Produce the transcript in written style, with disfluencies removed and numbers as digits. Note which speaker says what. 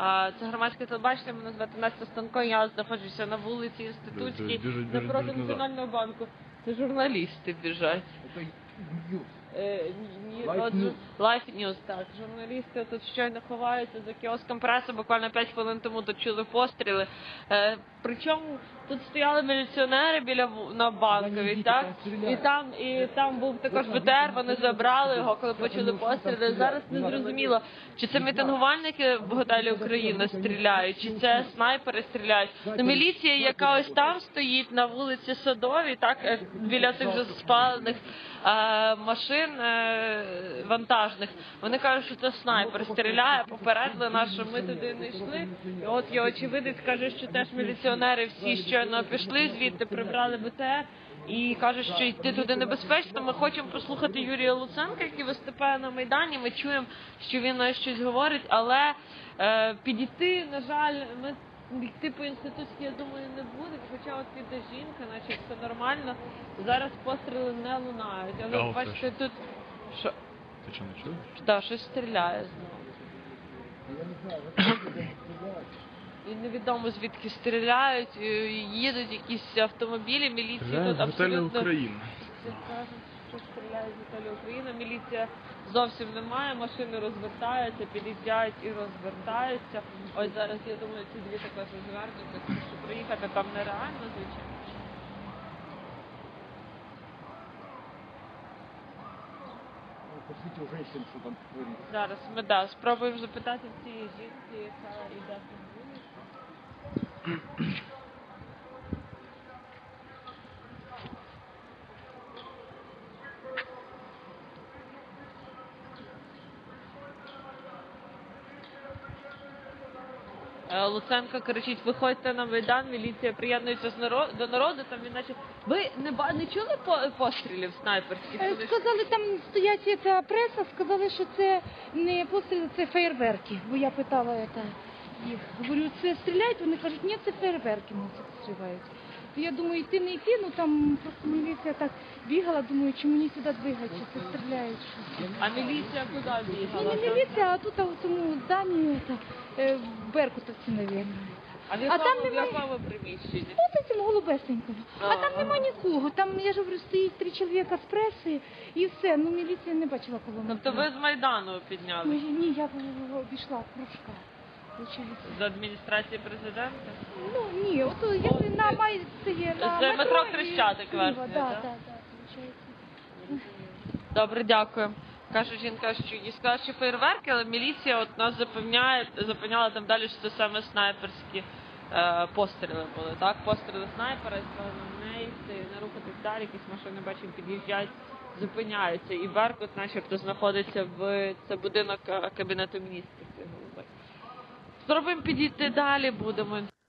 Speaker 1: Це громадське телебачення, мене звати Настя Станко, я знаходжуся на вулиці Інститутській, напроти Національного банку. Це журналісти біжать. Life News, так. Журналісти тут щойно ховаються за кіоском преси, буквально 5 хвилин тому тут чули постріли. Причому тут стояли міліціонери на Банковій, так? І там був також БТР, вони забрали його, коли почули постріли. Зараз не зрозуміло, чи це мітингувальники в готелі Україна стріляють, чи це снайпери стріляють. Міліція, яка ось там стоїть на вулиці Садовій, так, біля цих вже спалених машин вантажних, вони кажуть, що це снайпер стріляє, попередили нас, що ми туди не йшли. І от є очевидець, каже, що теж міліціонери всі щойно пішли звідти, прибрали БТР і кажуть, що йти туди небезпечно. Ми хочемо послухати Юрія Луценка, який виступає на Майдані, ми чуємо, що він щось говорить, але підійти, на жаль, йти по інститутській, я думаю, не буде, хоча от піде жінка, наче все нормально. Зараз постріли не лунають. Але бачите, тут... Що?
Speaker 2: Ти що, не чуєш?
Speaker 1: Так, щось стріляє знову.
Speaker 3: Я не знаю, стріляють.
Speaker 1: І невідомо звідки стріляють, їдуть якісь автомобілі, міліції тут абсолютно...
Speaker 2: Україна.
Speaker 1: Кажуть, що стріляють з готелю Україна, міліція зовсім немає, машини розвертаються, під'їжджають і розвертаються. Ось зараз, я думаю, ці дві також розвернуться, тому що проїхати там нереально, звичайно.
Speaker 3: Посвіть у женщин, що там твориться.
Speaker 1: Зараз ми, спробуємо запитати в цієї жінки, яка йде по вулиці. Луценко кричить: виходьте на Майдан, міліція приєднується до народу, там він наче... Ви не чули пострілів снайперських?
Speaker 4: Сказали, там стоять ця преса, сказали, що це не постріли, це феєрверки. Бо я питала їх. Говорю, це стріляють? Вони кажуть, ні, це феєрверки, це стріляють. То я думаю, йти не йти, ну там просто міліція так бігала, думаю, чому мені сюди двигати, чи це стріляють.
Speaker 1: А міліція куди бігала?
Speaker 4: Не міліція, а тут у цьому зданні, в Беркутовці, мабуть.
Speaker 1: А в якому приміщенні?
Speaker 4: Ось у цьому голубесенькому. А там нема нікого. Там, я ж говорю, стоїть 3 чоловіка з преси і все. Ну, міліція не бачила колони.
Speaker 1: Тобто ви з Майдану підняли?
Speaker 4: Ні, я обійшла кружка.
Speaker 1: З адміністрації президента?
Speaker 4: Ну, ні, от як на Майці, на
Speaker 1: це метро Хрещатик, версія, так?
Speaker 4: Так,
Speaker 1: Добре, дякую. Каже жінка, що їй сказали, що фейерверки, але міліція от нас запевняла там далі, що це саме снайперські постріли були, так? Постріли снайпера, і сказали на неї, не рухатись далі, якісь машини, бачимо, під'їжджають, зупиняються. І Беркут начебто знаходиться в будинок Кабінету міністрів. Спробуємо підійти далі, будемо.